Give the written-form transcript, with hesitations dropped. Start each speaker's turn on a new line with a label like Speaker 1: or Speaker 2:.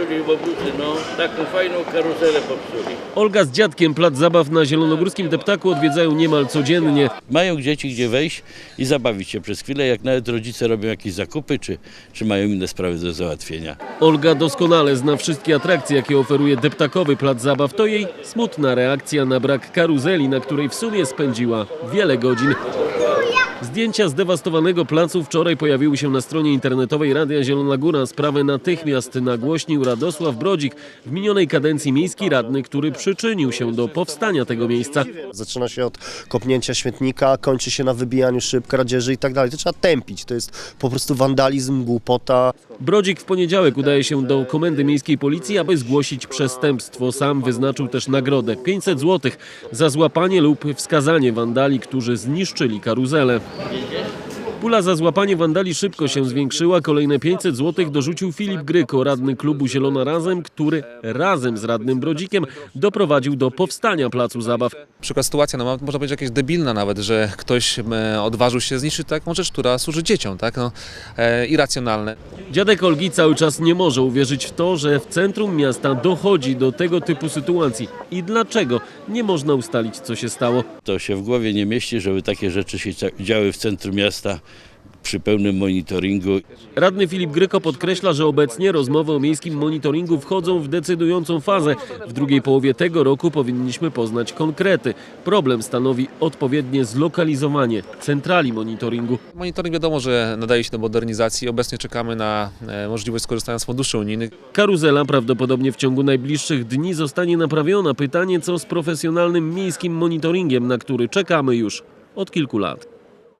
Speaker 1: popsuli łobuzy, no. Taką fajną karuzelę popsuli.
Speaker 2: Olga z dziadkiem plac zabaw na zielonogórskim deptaku odwiedzają niemal codziennie.
Speaker 1: Mają dzieci gdzie wejść i zabawić się przez chwilę, jak nawet rodzice robią jakieś zakupy, czy mają inne sprawy do załatwienia.
Speaker 2: Olga doskonale zna wszystkie atrakcje, jakie oferuje deptakowy plac zabaw. To jej smutna reakcja na brak karuzeli, na której w sumie spędziła wiele godzin. Zdjęcia zdewastowanego placu wczoraj pojawiły się na stronie internetowej Radia Zielona Góra. Sprawę natychmiast nagłośnił Radosław Brodzik, w minionej kadencji miejski radny, który przyczynił się do powstania tego miejsca.
Speaker 3: Zaczyna się od kopnięcia śmietnika, kończy się na wybijaniu szyb, kradzieży i tak dalej. To trzeba tępić, to jest po prostu wandalizm, głupota.
Speaker 2: Brodzik w poniedziałek udaje się do Komendy Miejskiej Policji, aby zgłosić przestępstwo. Sam wyznaczył też nagrodę 500 zł za złapanie lub wskazanie wandali, którzy zniszczyli karuzelę. Pula za złapanie wandali szybko się zwiększyła. Kolejne 500 zł dorzucił Filip Gryko, radny klubu Zielona Razem, który razem z radnym Brodzikiem doprowadził do powstania placu zabaw.
Speaker 4: Przykład sytuacja, no, można powiedzieć jakaś debilna nawet, że ktoś odważył się zniszczyć taką rzecz, która służy dzieciom, tak? No, irracjonalne.
Speaker 2: Dziadek Olgi cały czas nie może uwierzyć w to, że w centrum miasta dochodzi do tego typu sytuacji. I dlaczego? Nie można ustalić, co się stało.
Speaker 1: To się w głowie nie mieści, żeby takie rzeczy się działy w centrum miasta przy pełnym monitoringu.
Speaker 2: Radny Filip Gryko podkreśla, że obecnie rozmowy o miejskim monitoringu wchodzą w decydującą fazę. W drugiej połowie tego roku powinniśmy poznać konkrety. Problem stanowi odpowiednie zlokalizowanie centrali monitoringu.
Speaker 4: Monitoring wiadomo, że nadaje się do modernizacji. Obecnie czekamy na możliwość skorzystania z funduszy unijnych.
Speaker 2: Karuzela prawdopodobnie w ciągu najbliższych dni zostanie naprawiona. Pytanie, co z profesjonalnym miejskim monitoringiem, na który czekamy już od kilku lat.